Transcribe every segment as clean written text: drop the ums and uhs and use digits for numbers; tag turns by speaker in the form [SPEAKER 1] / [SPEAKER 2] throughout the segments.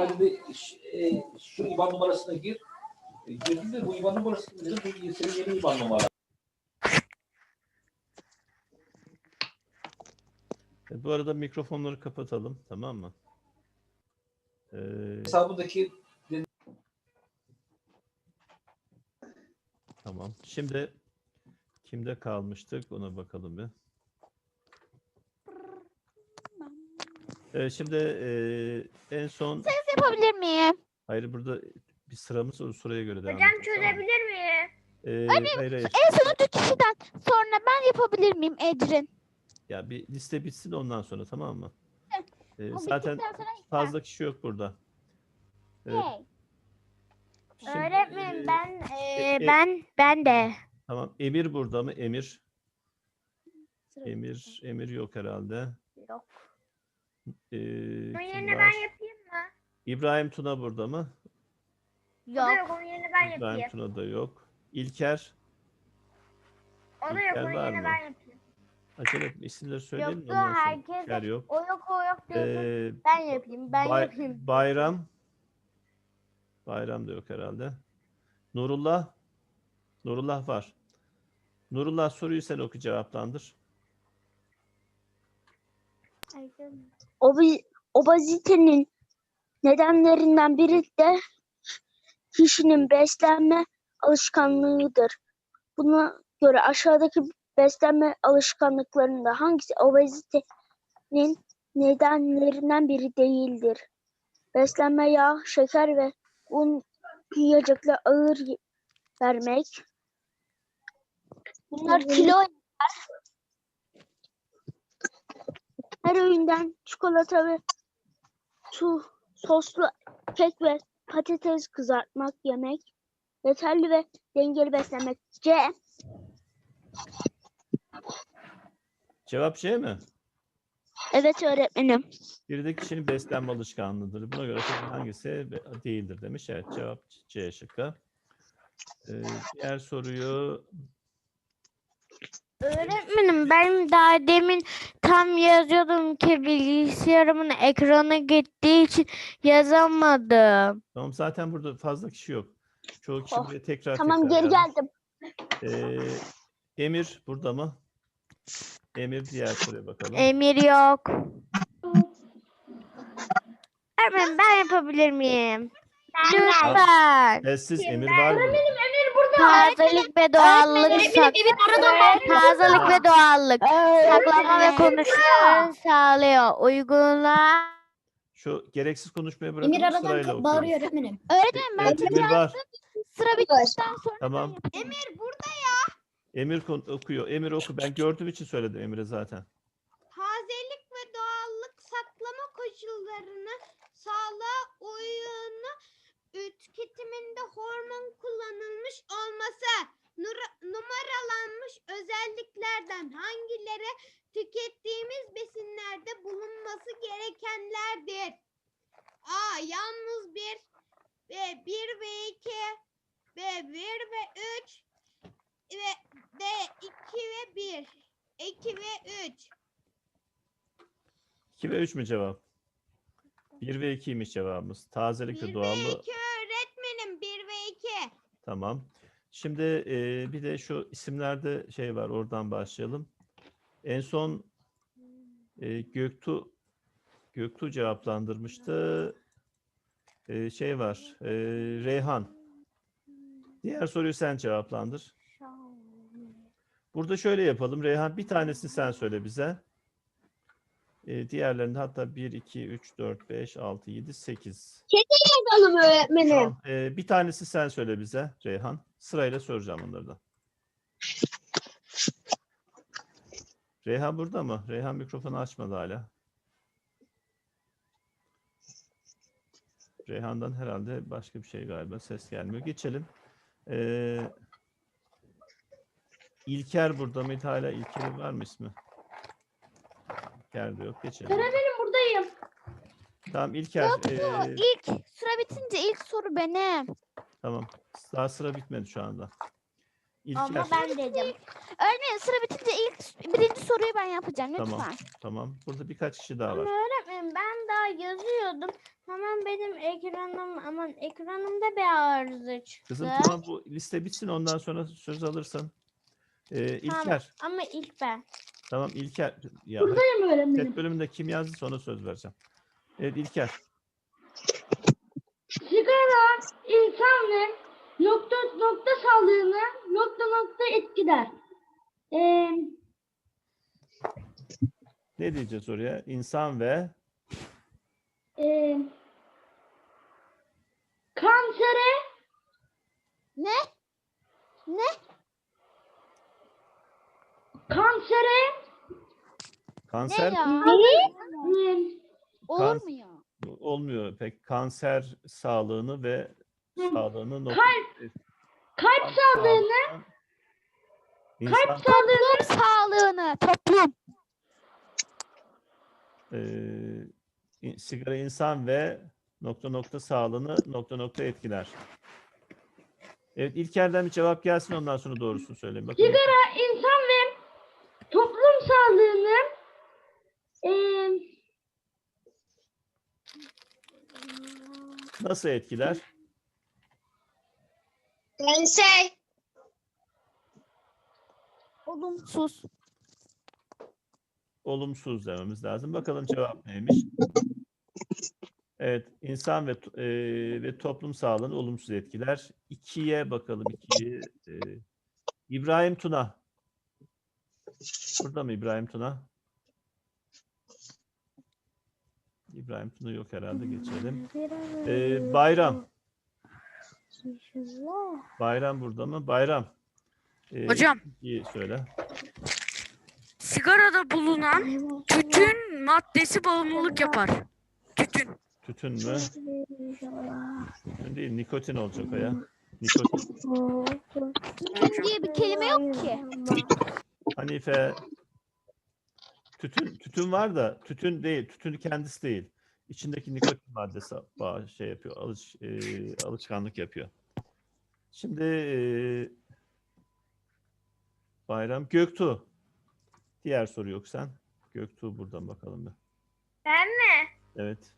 [SPEAKER 1] bana dedi şu IBAN numarasına gir. Girdim de bu IBAN numarasını dedim. Bu senin yeni IBAN numara.
[SPEAKER 2] Bu arada mikrofonları kapatalım, tamam mı?
[SPEAKER 1] Hesabındaki
[SPEAKER 2] Tamam. Şimdi kimde kalmıştık? Ona bakalım bir. Şimdi en son...
[SPEAKER 3] Ses yapabilir miyim?
[SPEAKER 2] Hayır, burada bir sıramız var. O sıraya göre devam
[SPEAKER 4] Hocam
[SPEAKER 2] edeceğiz, tamam mı?
[SPEAKER 4] çözebilir miyim?
[SPEAKER 2] Hayır.
[SPEAKER 3] En son 3 kişiden sonra ben yapabilir miyim Ecrin?
[SPEAKER 2] Ya bir liste bitsin ondan sonra, tamam mı?
[SPEAKER 3] O
[SPEAKER 2] Zaten
[SPEAKER 3] bittikten sonra
[SPEAKER 2] fazla kişi yok burada.
[SPEAKER 3] Hey.
[SPEAKER 2] Şimdi,
[SPEAKER 4] Öğretmenim
[SPEAKER 2] e-
[SPEAKER 4] ben de.
[SPEAKER 2] Tamam. Emir burada mı? Emir.
[SPEAKER 3] Sıra
[SPEAKER 2] Emir yok herhalde.
[SPEAKER 4] Yok.
[SPEAKER 2] Kim
[SPEAKER 4] Onun yerine
[SPEAKER 2] var?
[SPEAKER 4] ben yapayım mı?
[SPEAKER 2] İbrahim Tuna burada mı?
[SPEAKER 4] O da yok, onun yerine ben
[SPEAKER 2] İbrahim
[SPEAKER 4] yapayım.
[SPEAKER 2] Tuna da yok. İlker.
[SPEAKER 4] O da yok,
[SPEAKER 2] İlker
[SPEAKER 4] onun
[SPEAKER 2] var
[SPEAKER 4] yerine
[SPEAKER 2] mı?
[SPEAKER 4] ben yapayım.
[SPEAKER 2] Acele etme. İsimleri söyleyelim.
[SPEAKER 4] Yoktu,
[SPEAKER 2] ondan sonra.
[SPEAKER 4] herkes
[SPEAKER 2] İlker yok.
[SPEAKER 4] O yok diyorsun.
[SPEAKER 2] Ben
[SPEAKER 4] yapayım,
[SPEAKER 2] Bayram. Bayram da yok herhalde. Nurullah. Nurullah var. Nurullah, soruyu sen oku, cevaplandır.
[SPEAKER 5] Obezitenin nedenlerinden biri de kişinin beslenme alışkanlığıdır. Buna göre aşağıdaki beslenme alışkanlıklarında hangisi obezitenin nedenlerinden biri değildir? Beslenme, yağ, şeker ve un yiyecekle ağır vermek. Bunlar kilo. Her öğünden çikolata ve soslu kek ve patates kızartmak yemek. Yeterli ve dengeli beslenmek. C.
[SPEAKER 2] Cevap C mi?
[SPEAKER 5] Evet öğretmenim.
[SPEAKER 2] Bir de kişinin beslenme alışkanlığıdır. Buna göre hangisi değildir demiş. Evet, cevap C şıkkı. Diğer soruyu...
[SPEAKER 4] Öğretmenim ben daha demin tam yazıyordum ki bilgisayarımın ekranı gittiği için yazamadım.
[SPEAKER 2] Tamam, zaten burada fazla kişi yok. Çoğu kişi buraya tekrar
[SPEAKER 5] Tamam, geri
[SPEAKER 2] yazmış.
[SPEAKER 5] geldim.
[SPEAKER 2] Emir burada mı? Emir, diğer soruya bakalım.
[SPEAKER 4] Emir yok. Öğretmenim ben yapabilir miyim? Lütfen.
[SPEAKER 2] Sessiz, Emir var mı?
[SPEAKER 4] Tazelik ve doğallık. Tazelik ve doğallık. Saklama ve konuşmaları sağlıyor. Uygula.
[SPEAKER 2] Şu gereksiz konuşmayı bırakın, sırayla okuyoruz.
[SPEAKER 3] öğretmenim. Öğretmenim ben
[SPEAKER 2] Evet, Emir var.
[SPEAKER 3] sıra bittikten sonra
[SPEAKER 2] Tamam.
[SPEAKER 3] ben yapayım.
[SPEAKER 2] Emir okuyor. Emir oku. Ben gördüğüm için söyledim Emir'e zaten.
[SPEAKER 6] Tazelik ve doğallık saklama koşullarını, sağlığa uyumlu tüketiminde hormon kullanılmış olması, numaralanmış özelliklerden hangileri tükettiğimiz besinlerde bulunması gerekenlerdir? A. Yalnız 1 ve 1 ve 2 ve 1 ve 3 ve D 2 ve 1. 2 ve 3.
[SPEAKER 2] 2 ve 3 mü cevap? 1 ve 2'ymiş cevabımız. Tazelik
[SPEAKER 6] 1
[SPEAKER 2] ve
[SPEAKER 6] ve
[SPEAKER 2] doğallığı.
[SPEAKER 6] 2 öğretmenim. 1 ve 2.
[SPEAKER 2] Tamam. Şimdi bir de şu isimlerde şey var. Oradan başlayalım. En son Göktuğ cevaplandırmıştı. Şey var. Reyhan. Diğer soruyu sen cevaplandır. Burada şöyle yapalım. Reyhan, bir tanesini sen söyle bize. Diğerlerinde hatta 1, 2, 3, 4, 5, 6, 7, 8.
[SPEAKER 5] Yazalım öğretmenim.
[SPEAKER 2] Tamam. Bir tanesi sen söyle bize Reyhan. Sırayla soracağım onları da. Reyhan burada mı? Reyhan mikrofonu açmadı hala. Reyhan'dan herhalde başka bir şey galiba. Ses gelmiyor. Geçelim. İlker burada mıydı hala? İlker'in var mı ismi? İlker de yok. Geçelim.
[SPEAKER 5] Buradayım.
[SPEAKER 2] Tamam İlker.
[SPEAKER 3] İlk sıra bitince ilk soru benim.
[SPEAKER 2] Tamam. Daha sıra bitmedi şu anda. İlker.
[SPEAKER 4] Ama ben dedim.
[SPEAKER 3] Öğretmenim sıra bitince birinci soruyu ben yapacağım lütfen.
[SPEAKER 2] Tamam. Tamam. Burada birkaç kişi daha var.
[SPEAKER 4] Öğretmenim ben daha yazıyordum. Hemen benim ekranımda bir arıza çıktı.
[SPEAKER 2] Kızım tamam, bu liste bitsin, ondan sonra söz alırsın. İlker.
[SPEAKER 4] Ama ilk ben.
[SPEAKER 2] Tamam İlker. Ya,
[SPEAKER 5] Buradayım öğretmenim.
[SPEAKER 2] chat bölümünde kim yazdıysa ona söz vereceğim. Evet İlker.
[SPEAKER 5] Sigara insan ve nokta sağlığını nokta etkiler.
[SPEAKER 2] Ne diyeceğiz oraya? İnsan ve
[SPEAKER 5] Kansere
[SPEAKER 3] Ne?
[SPEAKER 5] kansere
[SPEAKER 2] kanser
[SPEAKER 3] Ne ya? Olur
[SPEAKER 2] Kan-
[SPEAKER 3] mu ya?
[SPEAKER 2] olmuyor pek. Kanser sağlığını ve sağlığını
[SPEAKER 5] kalp sağlığını
[SPEAKER 2] insan,
[SPEAKER 3] Toplum sağlığını. Toplum.
[SPEAKER 2] sigara insan ve sağlığını etkiler. Evet İlker'den bir cevap gelsin, ondan sonra doğrusunu söyleyin. Bakın.
[SPEAKER 5] sigara insan ve toplum sağlığını
[SPEAKER 2] Nasıl etkiler?
[SPEAKER 3] Olumsuz.
[SPEAKER 2] Olumsuz dememiz lazım. Bakalım cevap neymiş? Evet, insan ve toplum sağlığını olumsuz etkiler. 2'ye bakalım. 2'yi. İbrahim Tuna. Burada mı İbrahim Tuna? İbrahim Tuna yok herhalde. Geçelim. Bayram. Bayram burada mı? Bayram.
[SPEAKER 7] Hocam.
[SPEAKER 2] İyi söyle.
[SPEAKER 7] Sigarada bulunan tütün maddesi bağımlılık yapar. Tütün.
[SPEAKER 2] Tütün mü? Tütün değil, nikotin olacak o ya. Nikotin.
[SPEAKER 3] Tütün diye bir kelime yok ki.
[SPEAKER 2] Hanife. Tütün var da tütün değil. Tütün kendisi değil. İçindeki nikotin maddesi şey yapıyor. Alışkanlık yapıyor. Şimdi Bayram. Göktuğ. Diğer soru yok sen. Göktuğ buradan bakalım bir.
[SPEAKER 4] Ben mi?
[SPEAKER 2] Evet.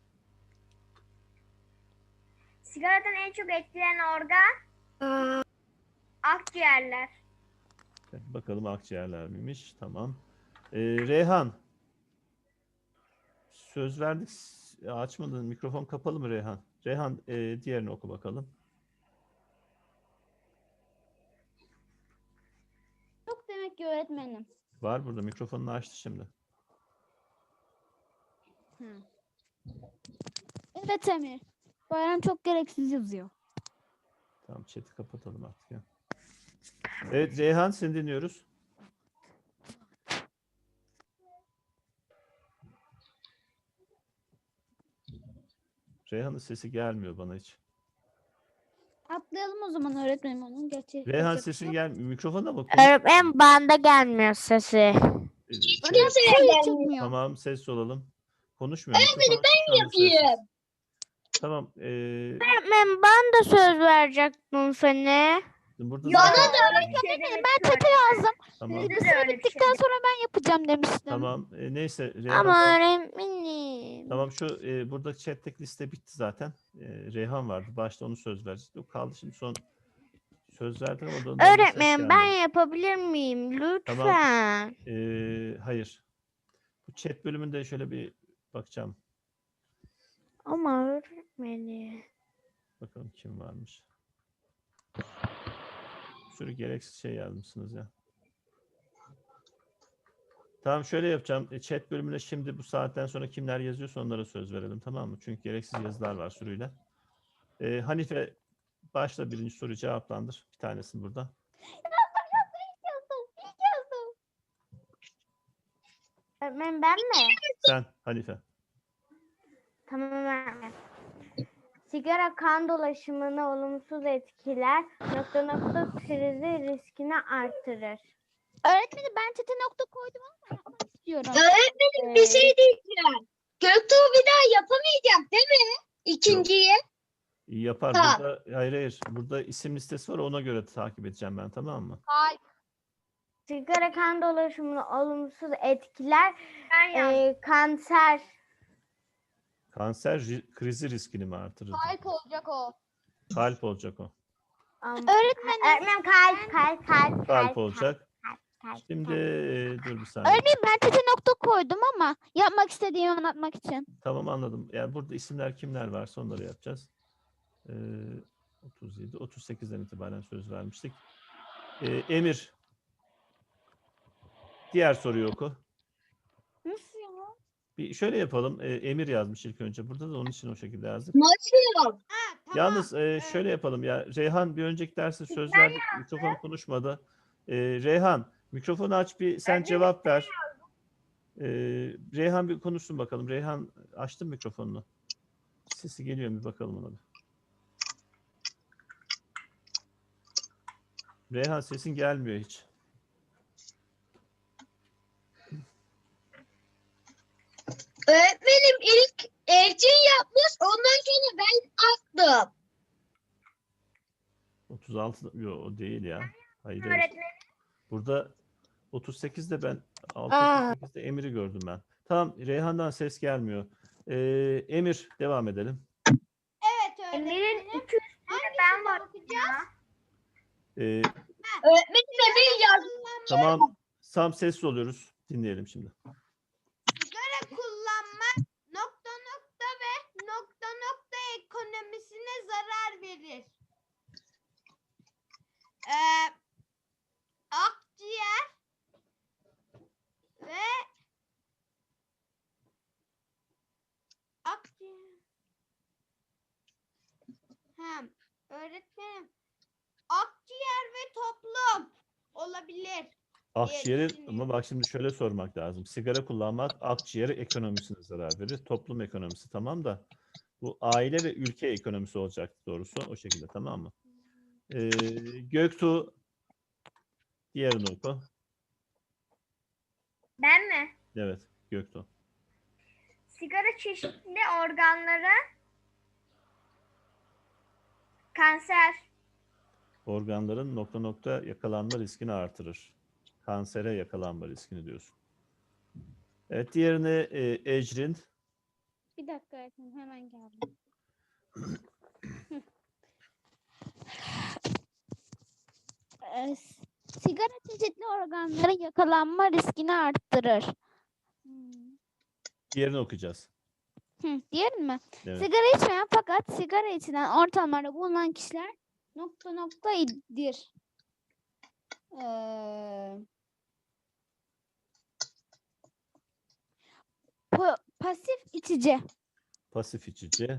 [SPEAKER 4] Sigaradan en çok etkilenen organ akciğerler.
[SPEAKER 2] Bakalım akciğerler miymiş? Tamam. Reyhan. Söz verdik. Açmadın. Mikrofon kapalı mı Reyhan? Reyhan diğerini oku bakalım.
[SPEAKER 3] Yok demek ki öğretmenim.
[SPEAKER 2] Var burada. Mikrofonunu açtı şimdi.
[SPEAKER 3] Evet Emir. Bayram çok gereksiz yazıyor.
[SPEAKER 2] Tamam, chat'i kapatalım artık ya. Evet Reyhan, seni dinliyoruz. Reyhan'ın sesi gelmiyor bana hiç.
[SPEAKER 3] Atlayalım o zaman öğretmenim onun. Gerçi
[SPEAKER 2] Reyhan
[SPEAKER 3] yapacak bir
[SPEAKER 2] sesin
[SPEAKER 3] şey yok.
[SPEAKER 2] gelmiyor. Mikrofona mı? Konuş.
[SPEAKER 4] Öğretmenim banda gelmiyor sesi.
[SPEAKER 3] Suyu çıkmıyor.
[SPEAKER 2] Tamam, ses olalım. Konuşmuyor. Mikrofonu ben yapayım. Tamam.
[SPEAKER 4] Öğretmenim ben de söz verecektim seni.
[SPEAKER 2] Burada
[SPEAKER 3] Bana
[SPEAKER 2] zaten-
[SPEAKER 3] da öğretmenim ben çete yazdım.
[SPEAKER 2] Tamam.
[SPEAKER 3] Sıra bittikten sonra ben yapacağım demiştim.
[SPEAKER 2] Tamam. Neyse. Reyhan,
[SPEAKER 4] Ama öğretmenim.
[SPEAKER 2] tamam şu burada chat'teki liste bitti zaten. Reyhan vardı. Başta onu söz verecekti. O kaldı şimdi son söz verdim ama ondan ses
[SPEAKER 4] Öğretmenim ben
[SPEAKER 2] gelmedi.
[SPEAKER 4] yapabilir miyim? Lütfen.
[SPEAKER 2] Hayır. Bu chat bölümünde şöyle bir bakacağım.
[SPEAKER 4] Ama öğretmenim.
[SPEAKER 2] Bakalım kim varmış. Bir sürü gereksiz şey yazmışsınız ya. Tamam şöyle yapacağım. Chat bölümüne şimdi bu saatten sonra kimler yazıyorsa onlara söz verelim, tamam mı? Çünkü gereksiz yazılar var sürüyle. Hanife başla, birinci soruyu cevaplandır. Bir tanesini burada.
[SPEAKER 4] Öğretmenim ben mi?
[SPEAKER 2] Sen Hanife.
[SPEAKER 4] Tamam öğretmenim. Sigara kan dolaşımını olumsuz etkiler. Krizi riskini artırır.
[SPEAKER 3] Öğretmenim ben çete nokta koydum ama yapmak istiyorum.
[SPEAKER 5] Öğretmenim bir şey diyeceğim. Göktuğ bir daha yapamayacak değil mi? İkinciyi.
[SPEAKER 2] Yapar. Burada, hayır. Burada isim listesi var. Ona göre takip edeceğim ben. Tamam mı?
[SPEAKER 4] Sigara kan dolaşımını olumsuz etkiler. Kanser.
[SPEAKER 2] Kanser krizi riskini mi artırır?
[SPEAKER 6] Kalp olacak o.
[SPEAKER 2] Kalp olacak o.
[SPEAKER 4] Öğretmenim
[SPEAKER 2] Kalp olacak. Şimdi dur bir saniye.
[SPEAKER 3] Örneğin ben tete nokta koydum ama yapmak istediğimi anlatmak için.
[SPEAKER 2] Tamam, anladım. Yani burada isimler kimler varsa onları yapacağız. 37, 38'den itibaren söz vermiştik. Emir. Diğer soruyu oku.
[SPEAKER 3] Nasıl ya?
[SPEAKER 2] Bir şöyle yapalım. Emir yazmış ilk önce. Burada da onun için o şekilde yazdık.
[SPEAKER 5] Nasıl?
[SPEAKER 6] Ha, tamam.
[SPEAKER 2] Yalnız şöyle yapalım ya. Reyhan bir önceki derste söz verdik. Mikrofon konuşmadı. Reyhan mikrofonu aç, bir sen cevap ver. Reyhan bir konuşsun bakalım. Reyhan açtın mikrofonunu. Sesi geliyor mu? Bir bakalım ona bir. Reyhan sesin gelmiyor hiç.
[SPEAKER 5] Öğretmenim ilk Ercin yapmış, ondan sonra ben attım.
[SPEAKER 2] 36 yok o değil ya. Hayır. Burada 38'de ben 38'de Emir'i gördüm ben. Tamam, Reyhan'dan ses gelmiyor. Emir devam edelim.
[SPEAKER 6] Evet öğretmenim.
[SPEAKER 4] Emir'in iki
[SPEAKER 6] ben bakacağız.
[SPEAKER 2] Ee,
[SPEAKER 5] Öğretmenim Emir yazmış.
[SPEAKER 2] tamam, Sam sessiz oluyoruz. Dinleyelim şimdi.
[SPEAKER 6] Sigara kullanmak nokta nokta ve nokta nokta ekonomisine zarar verir. Akciğer ve öğretmenim, akciğer ve toplum olabilir.
[SPEAKER 2] Akciğeri, ama bak şimdi şöyle sormak lazım. Sigara kullanmak akciğer ekonomisine zarar verir. Toplum ekonomisi tamam da bu aile ve ülke ekonomisi olacak doğrusu. O şekilde, tamam mı? Göktuğ diğerini oku.
[SPEAKER 4] Ben mi?
[SPEAKER 2] Evet, Göktuğ.
[SPEAKER 4] Sigara çeşitli organlara kanser.
[SPEAKER 2] Organların nokta nokta yakalanma riskini artırır. Kansere yakalanma riskini diyorsun. Evet, diğerini Ecrin.
[SPEAKER 3] Bir dakika öğretmenim, hemen geldim. Sigara çeşitli organların yakalanma riskini arttırır.
[SPEAKER 2] Diğerini okuyacağız.
[SPEAKER 3] Diğer mi?
[SPEAKER 2] Evet.
[SPEAKER 3] Sigara içmeyen fakat sigara içilen ortamlarda bulunan kişiler nokta nokta idir. Pasif içici.
[SPEAKER 2] Pasif içici.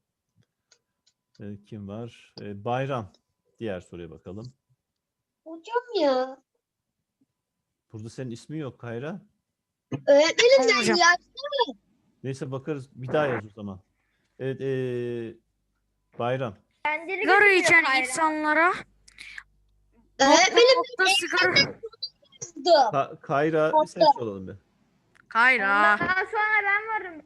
[SPEAKER 2] Kim var? Bayram. Diğer soruya bakalım.
[SPEAKER 5] Hocam ya.
[SPEAKER 2] Burada senin ismin yok Kayra.
[SPEAKER 5] Öğretmenim ben
[SPEAKER 7] Hocam.
[SPEAKER 5] yazdım.
[SPEAKER 2] Neyse, bakarız. Bir daha yaz o zaman. Evet. Bayram.
[SPEAKER 7] Sigara içen insanlara
[SPEAKER 5] Öğretmenim
[SPEAKER 7] nokta sigara.
[SPEAKER 5] yazdım.
[SPEAKER 2] Kayra bir ses olalım bir.
[SPEAKER 7] Kayra.
[SPEAKER 4] Daha sonra ben varım.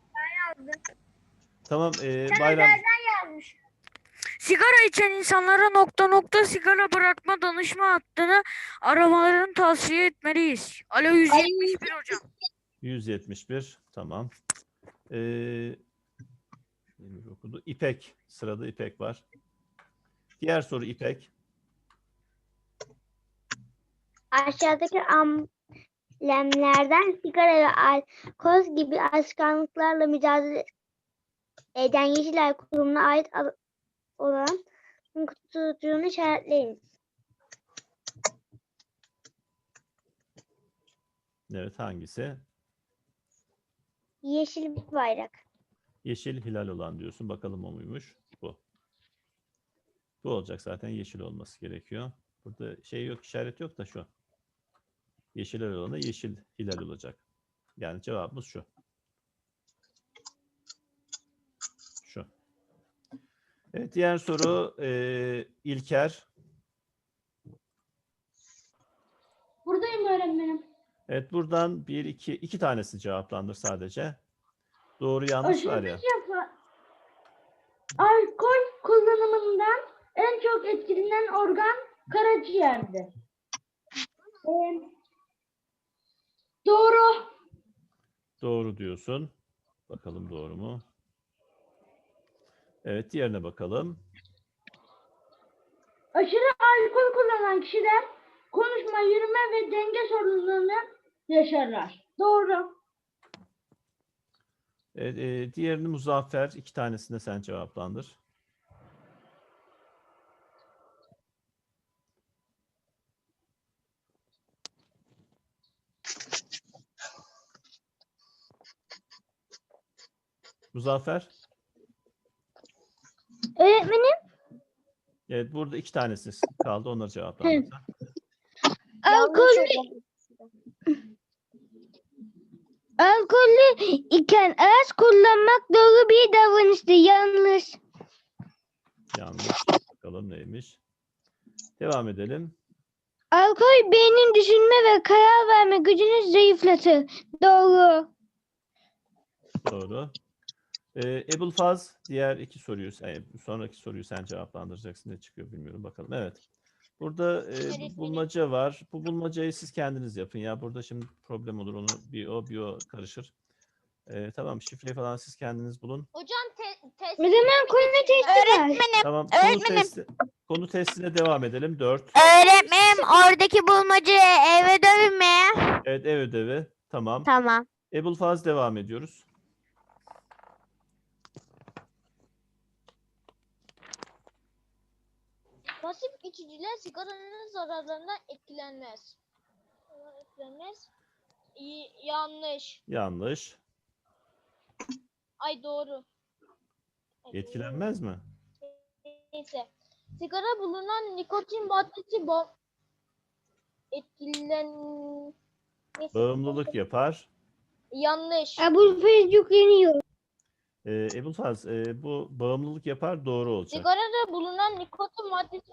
[SPEAKER 2] Tamam. Bayram.
[SPEAKER 4] Yazmış.
[SPEAKER 7] Sigara içen insanlara nokta nokta sigara bırakma danışma hattını aramalarını tavsiye etmeliyiz. Alo 171 hocam.
[SPEAKER 2] 171. Tamam. Emir okudu. İpek. Sırada İpek var. Diğer soru İpek.
[SPEAKER 5] Aşağıdaki amblemlerden sigara ve alkol gibi alışkanlıklarla mücadele eden Yeşilay Kurumu'na ait olan kutucuğunu işaretleyin.
[SPEAKER 2] Evet, hangisi?
[SPEAKER 5] Yeşil bir bayrak.
[SPEAKER 2] Yeşil hilal olan diyorsun. Bakalım o muymuş? Bu. Bu olacak zaten. Yeşil olması gerekiyor. Burada şey yok, işaret yok da şu. Yeşil hilal olana yeşil hilal olacak. Yani cevabımız şu. Şu. Evet, diğer soru İlker.
[SPEAKER 5] Buradayım öğretmenim.
[SPEAKER 2] Evet, buradan iki tanesi cevaplandır sadece. Doğru yanlış var ya.
[SPEAKER 8] Alkol kullanımından en çok etkilenen organ karaciğerdir. Doğru.
[SPEAKER 2] Doğru diyorsun. Bakalım doğru mu? Evet, diğerine bakalım.
[SPEAKER 8] Aşırı alkol kullanan kişiler konuşma, yürüme ve denge sorunlarını yaşarlar. Doğru.
[SPEAKER 2] Evet, diğerini Muzaffer. 2 tanesini de sen cevaplandır. Muzaffer.
[SPEAKER 5] Öğretmenim,
[SPEAKER 2] Evet, burada 2 tanesi kaldı. Onları cevaplandır.
[SPEAKER 3] Alkollü iken araç kullanmak doğru bir davranıştır. Yanlış.
[SPEAKER 2] Yanlış. Bakalım neymiş. Devam edelim.
[SPEAKER 3] Alkol beynin düşünme ve karar verme gücünü zayıflatır. Doğru.
[SPEAKER 2] Doğru. Ebulfaz, diğer 2 soruyu, sonraki soruyu sen cevaplandıracaksın. Ne çıkıyor bilmiyorum. Bakalım. Evet. Burada bulmaca var. Bu bulmacayı siz kendiniz yapın ya. Burada şimdi problem olur. Onu bir o karışır. Tamam, şifreyi falan siz kendiniz bulun.
[SPEAKER 6] Hocam test.
[SPEAKER 3] O zaman konu testi var.
[SPEAKER 2] Tamam, konu testine devam edelim. 4.
[SPEAKER 4] Öğretmenim oradaki bulmacı ev ödevi mi?
[SPEAKER 2] Evet, ev ödevi. Tamam.
[SPEAKER 4] Tamam.
[SPEAKER 2] Ebulfaz devam ediyoruz.
[SPEAKER 6] Pasif içiciler sigaranın zararlarından etkilenmez. Yanlış.
[SPEAKER 2] Yanlış.
[SPEAKER 6] Ay doğru.
[SPEAKER 2] Etkilenmez mi?
[SPEAKER 6] Neyse. Sigara bulunan nikotin maddesi Neyse.
[SPEAKER 2] Bağımlılık yapar.
[SPEAKER 6] Yanlış.
[SPEAKER 3] Bu Facebook yeniyor.
[SPEAKER 2] Ebulfaz, bu bağımlılık yapar, doğru olacak.
[SPEAKER 6] Sigarada bulunan nikotin maddesi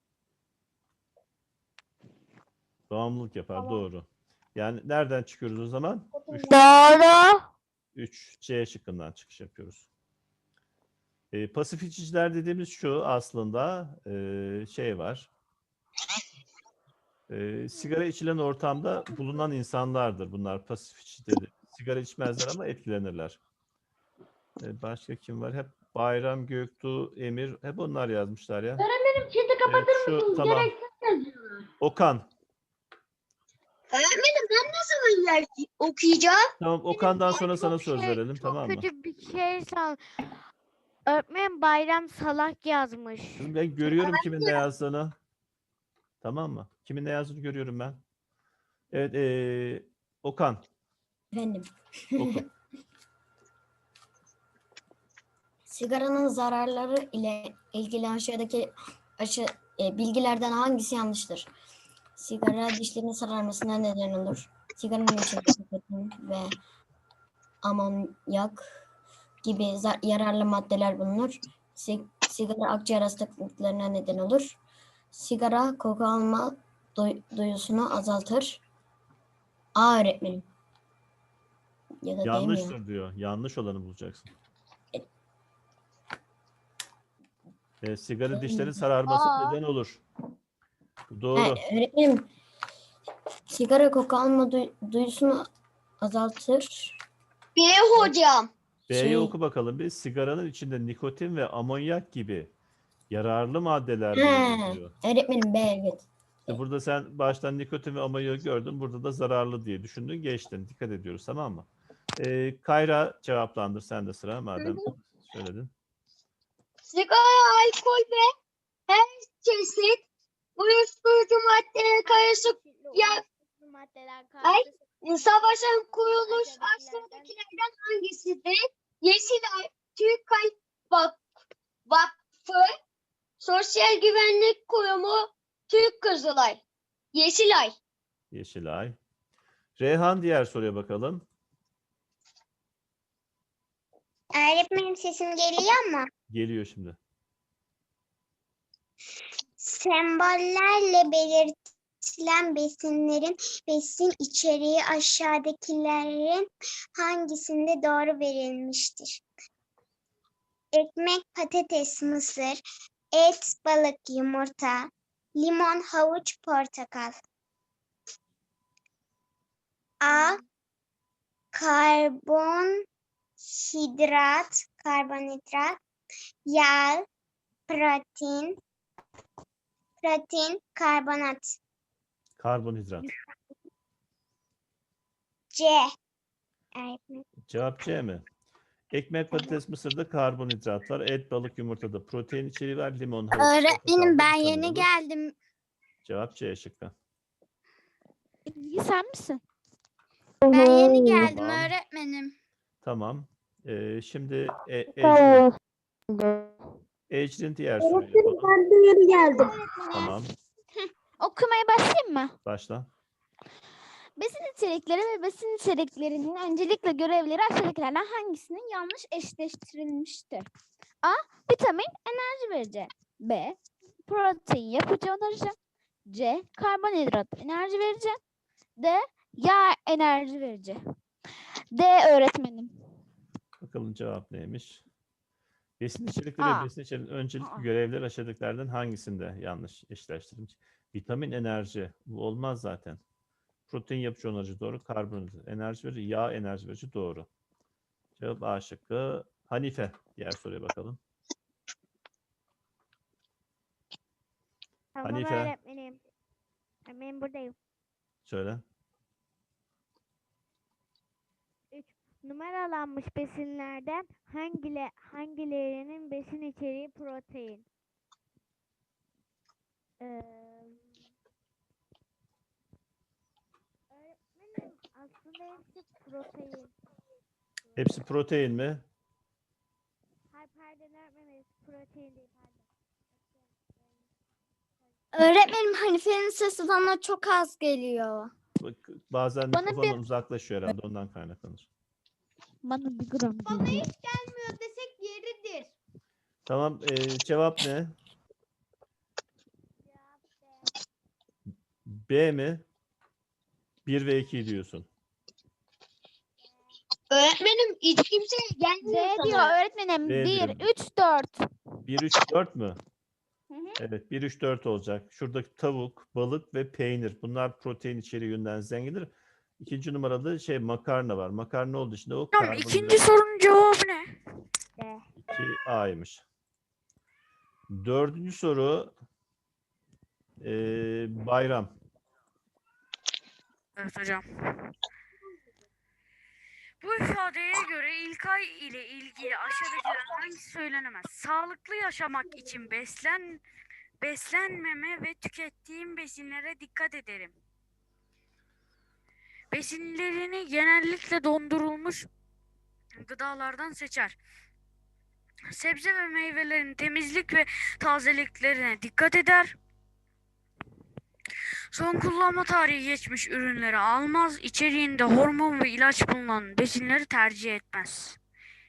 [SPEAKER 2] Bağımlılık yapar,
[SPEAKER 6] Tamam.
[SPEAKER 2] doğru. Yani nereden çıkıyoruz o zaman?
[SPEAKER 4] Doğru.
[SPEAKER 2] 3C şıkkından çıkış yapıyoruz. Pasif içiciler dediğimiz şu aslında şey var. Sigara içilen ortamda bulunan insanlardır. Bunlar pasif içicidir. Sigara içmezler ama etkilenirler. Başka kim var? Hep Bayram, Göktuğ, Emir. Hep onlar yazmışlar ya.
[SPEAKER 8] Benim chat'i kapatır mısınız?
[SPEAKER 2] Tamam.
[SPEAKER 8] Gereksiz yazıyorlar.
[SPEAKER 2] Okan.
[SPEAKER 5] öğretmenim ben ne zaman okuyacağım?
[SPEAKER 2] Tamam, Okan'dan sonra sana söz verelim,
[SPEAKER 7] Çok
[SPEAKER 2] tamam mı?
[SPEAKER 7] kötü bir şey Öğretmenim Bayram Salak yazmış.
[SPEAKER 2] Kızım, ben görüyorum kimin ne yazdığını. Tamam mı? Kimin ne yazdığını görüyorum ben. Evet, Okan.
[SPEAKER 9] Efendim,
[SPEAKER 2] Oku.
[SPEAKER 9] sigaranın zararları ile ilgili aşağıdaki bilgilerden hangisi yanlıştır? Sigara dişlerin sararmasına neden olur. Sigaranın içinde nikotin ve amonyak gibi yararlı maddeler bulunur. Sigara akciğer hastalıklarına neden olur. Sigara koku alma duyusunu azaltır. A öğretmenim. Ya da
[SPEAKER 2] Yanlıştır diyor. Yanlış olanı bulacaksın. Sigara dişlerin sararması neden olur. Doğru.
[SPEAKER 9] Öğretmenim, sigara koku alma duyusunu azaltır.
[SPEAKER 5] B hocam.
[SPEAKER 2] B'yi oku bakalım bir. Sigaranın içinde nikotin ve amonyak gibi yararlı maddeler bulunur diyor.
[SPEAKER 9] Öğretmenim B, evet.
[SPEAKER 2] İşte burada sen baştan nikotin ve amonyak gördün. Burada da zararlı diye düşündün. Geçtin. Dikkat ediyoruz, tamam mı? Kayra cevaplandır. Sen de sıra madem söyledin.
[SPEAKER 5] Sigara, alkol ve her çeşit uyuşturucu maddeler karışık savaşan kuruluş aşağıdakilerden hangisidir? Yeşilay, Türk Kalp Vakfı, Sosyal Güvenlik Kurumu, Türk Kızılay. Yeşilay.
[SPEAKER 2] Yeşilay. Reyhan, diğer soruya bakalım.
[SPEAKER 5] Öğretmenim sesim geliyor mu?
[SPEAKER 2] Geliyor şimdi.
[SPEAKER 5] Sembollerle belirtilen besinlerin besin içeriği aşağıdakilerin hangisinde doğru verilmiştir?
[SPEAKER 4] ekmek, patates, mısır, et, balık, yumurta, limon, havuç, portakal. A. Karbonhidrat, yağ, protein, karbonat.
[SPEAKER 2] Karbonhidrat.
[SPEAKER 4] C. Öğretmenim.
[SPEAKER 2] Cevap C mi? Ekmek, patates, mısırda karbonhidrat var. Et, balık, yumurtada protein içeriği var. Limon, havuç,
[SPEAKER 4] Öğretmenim, ben
[SPEAKER 2] portakalda
[SPEAKER 4] yeni
[SPEAKER 2] vitamin olur.
[SPEAKER 4] geldim.
[SPEAKER 2] Cevap C şıkkı.
[SPEAKER 3] Ezgi sen misin?
[SPEAKER 4] Ben yeni geldim
[SPEAKER 2] Tamam.
[SPEAKER 4] öğretmenim.
[SPEAKER 2] Tamam. Şimdi Ecrin diğer soruyu yapalım.
[SPEAKER 5] Ben de yeni geldim.
[SPEAKER 2] Tamam.
[SPEAKER 3] Okumaya başlayayım mı?
[SPEAKER 2] Başla.
[SPEAKER 3] Besin içerikleri ve besin içeriklerinin öncelikle görevleri aşağıdakilerden hangisinin yanlış eşleştirilmiştir? A. Vitamin enerji verici. B. Protein yapıcı onarıcı. C. Karbonhidrat enerji verici. D. Yağ enerji verici. D öğretmenim.
[SPEAKER 2] Bakalım cevap neymiş? Besin içerikleri
[SPEAKER 3] Aa.
[SPEAKER 2] ve besin içeriklerinin öncelikli
[SPEAKER 3] Aa.
[SPEAKER 2] görevleri aşağıdakilerden hangisinde yanlış eşleştirilmiş? Vitamin enerji. Bu olmaz zaten. Protein yapıcı onarıcı doğru. Karbonhidrat enerji verici. Yağ enerji verici doğru. Cevap A şıkkı. Hanife. Diğer soruya bakalım.
[SPEAKER 4] Tamam
[SPEAKER 2] Hanife.
[SPEAKER 4] öğretmenim. Ben buradayım.
[SPEAKER 2] Söyle.
[SPEAKER 4] Numaralanmış besinlerden hangilerinin besin içeriği protein? Öğretmenim, aslında hepsi protein.
[SPEAKER 2] Hepsi protein mi?
[SPEAKER 4] Hayır pardon öğretmenim, hepsi protein değil pardon. Öğretmenim, Hanife'nin sesi bana çok az geliyor.
[SPEAKER 2] Bak, bazen
[SPEAKER 3] Bana
[SPEAKER 2] mikrofondan uzaklaşıyor herhalde, ondan kaynaklanır.
[SPEAKER 3] Bana bir gram
[SPEAKER 4] Bana
[SPEAKER 3] geliyor.
[SPEAKER 4] hiç gelmiyor desek yeridir.
[SPEAKER 2] Tamam. Cevap ne? B mi? 1 ve 2 diyorsun.
[SPEAKER 5] Öğretmenim hiç kimseye gelmiyor
[SPEAKER 3] D
[SPEAKER 5] sana.
[SPEAKER 3] diyor öğretmenim.
[SPEAKER 2] D
[SPEAKER 3] 1,
[SPEAKER 2] diyor.
[SPEAKER 3] 3, 4.
[SPEAKER 2] 1, 3, 4 mü?
[SPEAKER 3] Hı hı.
[SPEAKER 2] Evet, 1, 3, 4 olacak. Şuradaki tavuk, balık ve peynir. Bunlar protein içeriği yönden zengindir. İkinci numaralı makarna var. Makarna olduğu için de o
[SPEAKER 7] Hocam ikinci sorunun cevabı ne?
[SPEAKER 2] 2A'ymış. Dördüncü soru bayram.
[SPEAKER 7] Evet hocam. Bu ifadeye göre İlkay ile ilgili aşağıdakilerden hangisi söylenemez? Sağlıklı yaşamak için beslenmeme ve tükettiğim besinlere dikkat ederim. Besinlerini genellikle dondurulmuş gıdalardan seçer. Sebze ve meyvelerin temizlik ve tazeliklerine dikkat eder. Son kullanma tarihi geçmiş ürünleri almaz. İçeriğinde hormon ve ilaç bulunan besinleri tercih etmez.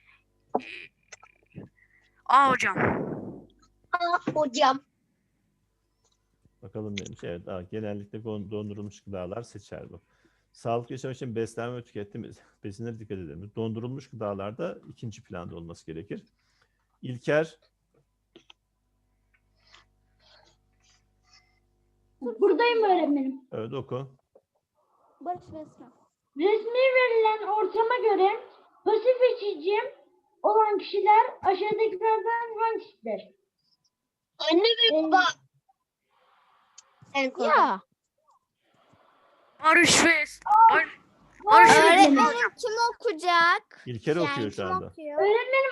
[SPEAKER 7] A hocam.
[SPEAKER 5] Hocam.
[SPEAKER 2] Bakalım neymiş. Evet, genellikle dondurulmuş gıdalar seçer bu. Sağlıklı yaşam için beslenme ve tükettiğim besinlere dikkat edelim. Dondurulmuş gıdalarda ikinci planda olması gerekir. İlker.
[SPEAKER 8] Buradayım öğretmenim.
[SPEAKER 2] Evet, oku.
[SPEAKER 3] Barış ve Esra.
[SPEAKER 8] Resmi verilen ortama göre pasif içici olan kişiler aşağıdakilerden hangisidir?
[SPEAKER 5] Anne ve baba. Sen konuş.
[SPEAKER 3] Ya.
[SPEAKER 7] Barış ve Barış ve
[SPEAKER 4] Öğretmenim kim okuyacak?
[SPEAKER 2] İlker okuyor şu anda.
[SPEAKER 8] Öğretmenim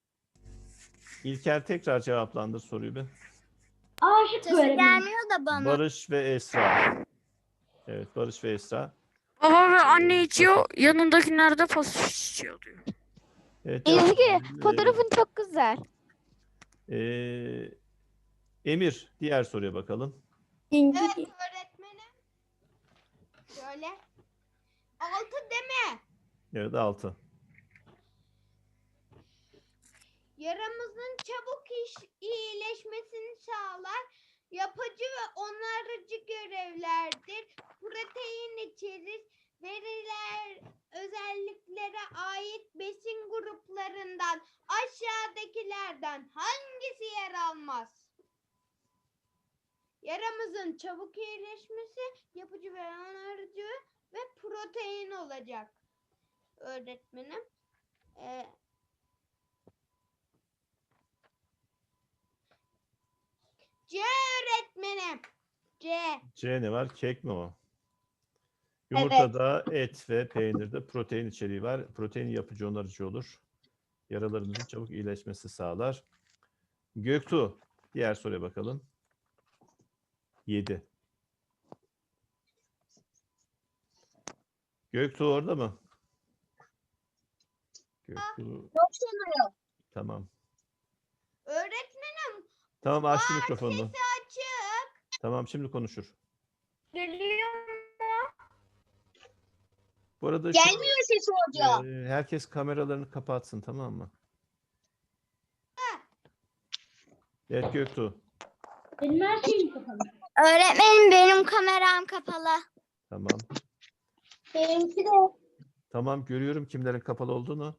[SPEAKER 2] İlker tekrar cevaplandır soruyu bir.
[SPEAKER 8] aşık
[SPEAKER 4] Sesi
[SPEAKER 8] öğretmenim.
[SPEAKER 4] gelmiyor da bana.
[SPEAKER 2] Barış ve Esra. Evet, Barış ve Esra.
[SPEAKER 7] baba ve anne içiyor, yanındakiler de pasif içiyor diyor.
[SPEAKER 2] Evet,
[SPEAKER 3] Ezgi fotoğrafın çok güzel.
[SPEAKER 2] Emir, diğer soruya bakalım.
[SPEAKER 4] Evet öğretmenim. Şöyle. 6 deme.
[SPEAKER 2] Evet, 6.
[SPEAKER 4] Yaramızın çabuk iyileşmesini sağlar. Yapıcı ve onarıcı görevlerdir. Protein içerir. Veriler özelliklere ait besin gruplarından
[SPEAKER 10] aşağıdakilerden hangisi yer almaz? Yaramızın çabuk iyileşmesi, yapıcı ve onarıcı ve protein olacak. Öğretmenim. C öğretmenim. C.
[SPEAKER 2] C ne var? Kek mi o? Yumurtada, et ve peynirde protein içeriği var. Protein yapıcı, onarıcı olur. Yaralarımızın çabuk iyileşmesi sağlar. Göktuğ, diğer soruya bakalım. 7. Göktuğ orada mı? Göktuğ. Tamam.
[SPEAKER 10] Öğretmenim.
[SPEAKER 2] Tamam, açtı mikrofonunu.
[SPEAKER 10] Sesi açık.
[SPEAKER 2] Tamam, şimdi konuşur.
[SPEAKER 4] Geliyor mu?
[SPEAKER 2] Bu arada
[SPEAKER 6] Gelmiyor sesi hocam.
[SPEAKER 2] herkes kameralarını kapatsın, tamam mı? Evet Göktuğ.
[SPEAKER 8] Benim her şeyim kapalı.
[SPEAKER 3] Öğretmenim benim kameram kapalı.
[SPEAKER 2] Tamam.
[SPEAKER 6] Benimki de.
[SPEAKER 2] Tamam, görüyorum kimlerin kapalı olduğunu.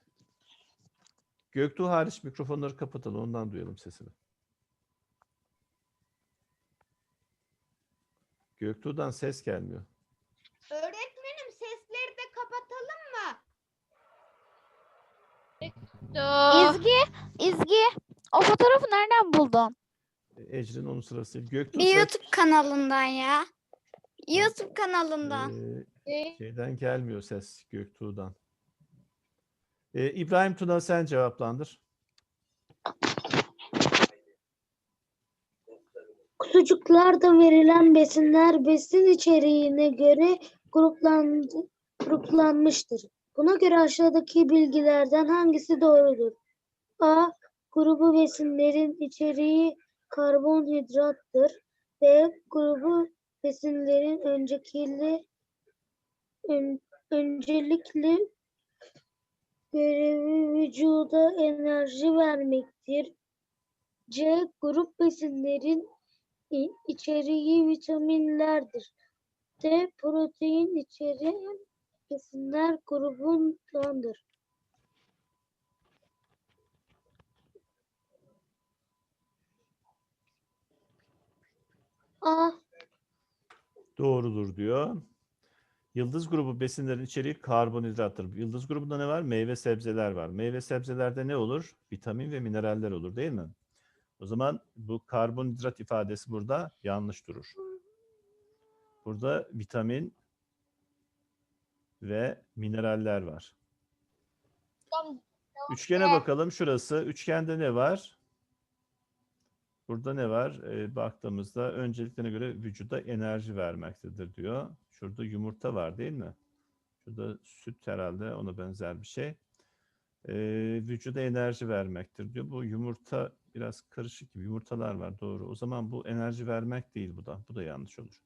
[SPEAKER 2] Göktuğ hariç mikrofonları kapatalım, ondan duyalım sesini. Göktuğ'dan ses gelmiyor.
[SPEAKER 10] Öğretmenim sesleri de kapatalım mı?
[SPEAKER 3] İzgi, o fotoğrafı nereden buldun?
[SPEAKER 2] Ecrin onun sırası değil. Göktuğ
[SPEAKER 3] Bir
[SPEAKER 2] ses
[SPEAKER 3] YouTube kanalından ya. YouTube kanalından.
[SPEAKER 2] şeyden gelmiyor ses Göktuğ'dan. İbrahim Tuna sen cevaplandır.
[SPEAKER 8] Kutucuklarda verilen besinler besin içeriğine göre gruplanmıştır. Buna göre aşağıdaki bilgilerden hangisi doğrudur? A. Grubu besinlerin içeriği karbonhidrattır. B. Grubu besinlerin öncelikli görevi vücuda enerji vermektir. C. Grup besinlerin içeriği vitaminlerdir. D. Protein içeren besinler grubundandır. A.
[SPEAKER 2] Doğrudur diyor. Yıldız grubu besinlerin içeriği karbonhidrattır. Yıldız grubunda ne var? Meyve sebzeler var. Meyve sebzelerde ne olur? Vitamin ve mineraller olur, değil mi? O zaman bu karbonhidrat ifadesi burada yanlış durur. Burada vitamin ve mineraller var. Üçgene bakalım. Şurası. Üçgende ne var? Burada ne var? Baktığımızda önceliklerine göre vücuda enerji vermektedir diyor. Şurada yumurta var değil mi? Şurada süt herhalde, ona benzer bir şey. Vücuda enerji vermektir diyor. Bu yumurta biraz karışık gibi. Yumurtalar var, doğru. O zaman bu enerji vermek değil bu da. Bu da yanlış olur.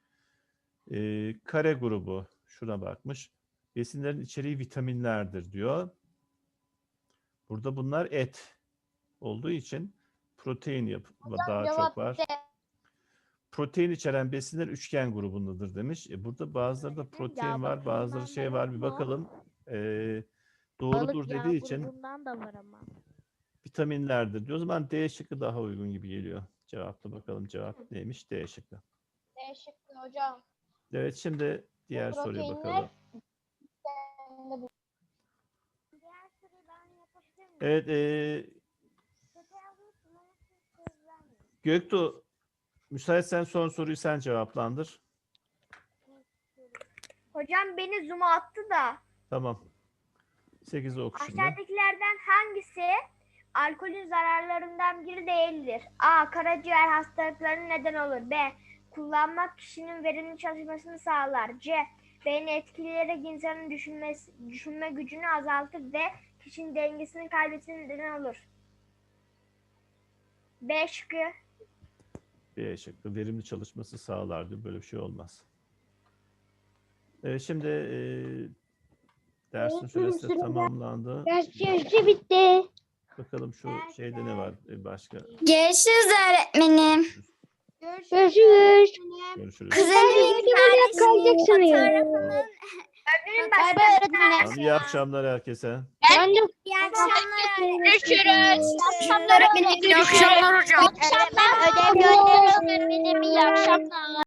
[SPEAKER 2] Kare grubu şuna bakmış. Besinlerin içeriği vitaminlerdir diyor. Burada bunlar et olduğu için protein daha çok var. Protein içeren besinler üçgen grubundadır demiş. Burada bazıları da protein var, bazıları şey var. Bir bakalım. Doğrudur dediği için
[SPEAKER 4] da var ama.
[SPEAKER 2] vitaminlerdir diyor. O zaman D şıkkı daha uygun gibi geliyor. Cevapla bakalım, cevap neymiş? D şıkkı.
[SPEAKER 6] D şıkkı hocam.
[SPEAKER 2] Evet, şimdi diğer soruya
[SPEAKER 6] Proteinler-
[SPEAKER 2] bakalım. Evet, Göktuğ, müsaitsen son soruyu sen cevaplandır.
[SPEAKER 4] Hocam beni zoom'a attı da.
[SPEAKER 2] Tamam. 8'i oku şimdi.
[SPEAKER 4] Aşağıdakilerden hangisi alkolün zararlarından biri değildir? A. Karaciğer hastalıklarına neden olur. B. Kullanmak kişinin verimli çalışmasını sağlar. C. Beyni etkileyerek insanın düşünme gücünü azaltır. D. Kişinin dengesini kaybetmesine neden olur. B şıkkı.
[SPEAKER 2] B şıkkı. Verimli çalışması sağlar diyor. Böyle bir şey olmaz. Şimdi dersin süresi de tamamlandı.
[SPEAKER 5] Ders süresi bitti.
[SPEAKER 2] Bakalım şu şeyde ne var başka?
[SPEAKER 3] Görüşürüz öğretmenim.
[SPEAKER 5] Görüşürüz.
[SPEAKER 2] Görüşürüz.
[SPEAKER 3] Kızımın
[SPEAKER 5] kalacaksın ya.
[SPEAKER 3] fotoğrafını
[SPEAKER 4] Öğretmenim
[SPEAKER 3] Bay
[SPEAKER 4] başka
[SPEAKER 3] bay
[SPEAKER 4] bir
[SPEAKER 3] öğretmenim.
[SPEAKER 2] Tamam, iyi akşamlar herkese.
[SPEAKER 8] Ben de
[SPEAKER 10] İyi akşamlar.
[SPEAKER 6] Görüşürüz.
[SPEAKER 7] İyi akşamlar hocam.
[SPEAKER 6] İyi akşamlar. Ödev gönderiyorum öğretmenim. İyi akşamlar.